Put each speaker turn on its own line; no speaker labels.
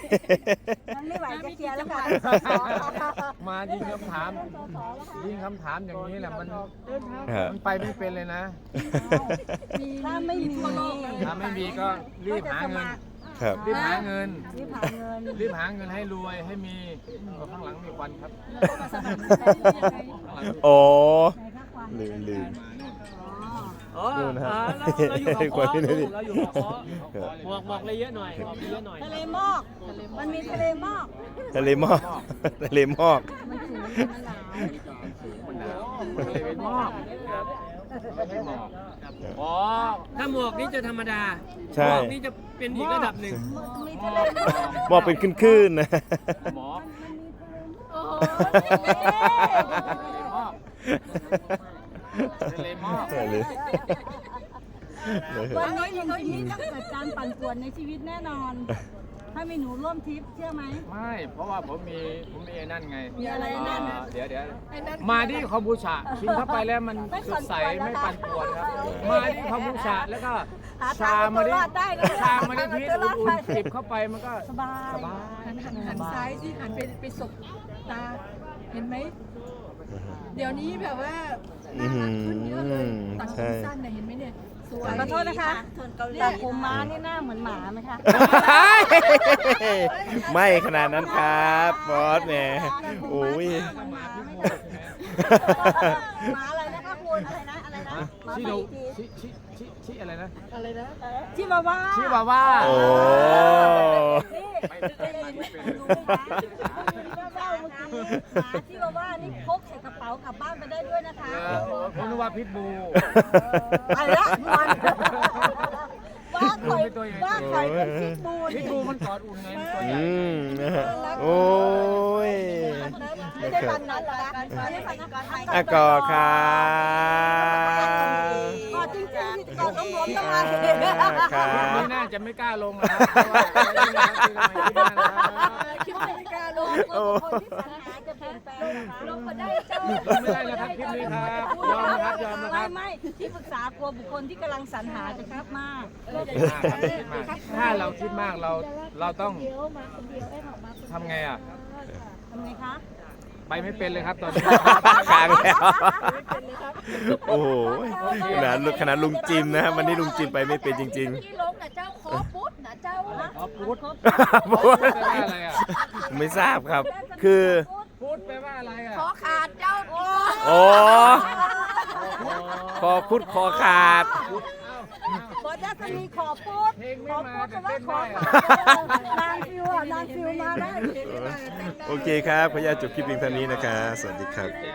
มันไม่ไหวจะเคลียร์แล้วค่ะ
มายิงคำถามอย่างนี้แหละมัน
ครับ
ไปไม่เป็นเลยนะ
ถ้าไม่มี
ถ้าไม่มีก็รีบหาเงิน
ครับ
รีบหาเงิน
รีบหาเงิน
รีบหาเงินให้รวยให้มีข้างหลังมีควันครับ
โอ้
ไหนคะควัน
ลืม
อ๋อ
นู่นนะครับ
เราอยู่กับ
กว่าที่นี่
เราอยู่กับหมอกเลยเยอะหน่อยหมอกเยอะหน่อย
ทะเลหมอกมันมีทะเลหมอก
ทะเลหมอกทะเลหมอก
มันสูงมันหนาว
มันหนาวเลยเป็นหมอกไม่ใช่หมอก
อ๋อถ้าหมอกนี่จะธรรมดา
ใช่
หมอกนี่จะเป็นอีกระดับหนึ่ง
มีทะเลหมอก
หมอกเป็นคลื่นๆนะ
หมอก
โอ้โห
ทะเลหมอก
ทะเล
วันนี้หนุ่มที่นี่ต้องเกิดการปั่นป่วนในชีวิตแน่นอน ถ้ามีหนูร่วมทริปเชื่อไหม
ไม่เพราะว่าผมมีไอ้นั่นไง
มีอะไรนั่น
เดี๋ยวมาที่คอมบูชากินเข้าไปแล้วมันสดใสไม่ปั่นป่วนครับมาที่คอมบูชาแล้วก็ชามาดิพีชอุ่นๆจิบเข้าไปมันก็
สบาย
สบาย
หันซ้ายสิหันไปสบตาเห็นไหมเดี๋ยวนี้แบบว่าน่ารักขึ้นเยอะเลยตัดผมสั้นเนี่ยเห็นไหมเนี่ยสวย
ขอโทษนะคะแต่ผมม้านี่หน้าเหมือนหมาไหมคะ
ไม่ขนาดนั้นครับบอสแหมโอ้ย
หมาอะไรนะคะคุณอะไรนะ
ชิโนชิอะไรนะ
อะไรนะ
ชิวาว่า
ชิบาว่า
โอ้
หมาชิวาว่านี่พกใส่กระเป๋ากลับบ้านไปได้ด้วยนะคะ
ผมนึกว่าพิษบู
ไปละมันว่าข่อยเป็นพิษบู
พิษบูมันกอดอุ่นไงมันตัวใหญ่
นะฮะโอ้ย
ไม่ได้พันนั้นหรอไม่ได้พันนั้น
อากอดครับ
ก็จริงๆก็ต้องรวมต้องมา
ครับ
ไม่น่าจะไม่กล้าลงนะครับเพราะว่าคิดว่านะครับ
คิดว่าไม่กล้าลงคนที่ปัญหาจะเปลี่ยนแปลงลงมาได้เจ้า
ไม่ได้แล้วครับคลิปนี้ครับยอมนะครับยอมนะครับ
ไม่ที่ปรึกษากลัวบุคคลที่กำลังสรรหาจะครับมาก
ถ้าเราคิดมากเราต้องทำไงอ่ะ
ทำไงคะ
ไปไม่เป็นเลยครับตอนนี้
ค้างแล้วโอ้โหขนาดลุงจิมนะฮะวันนี้ลุงจิมไปไม่เป็นจริง
ที่ลงนะเจ้าขอปุ๊ดนะเจ้า
อ๋อพูด
ๆ
พูดแปลว่าอะไรอ่ะ
ไม่ทราบครับ คือ
พูดแปลว่าอะไรอ่ะ
ขอขาดเจ้า
โอ้คอพุดคอขาด
บอสจะมีขอพูด
เพลง
ข
ไม่
อ
มา
พูด
แต่
ว่า
เต้น
ขอ
ได้
นางฟิวอ่ะนางฟิวมาได้
โอเคครับขออนุญาตจบคลิปเพียงเท่านี้นะครับ สวัสดีครับ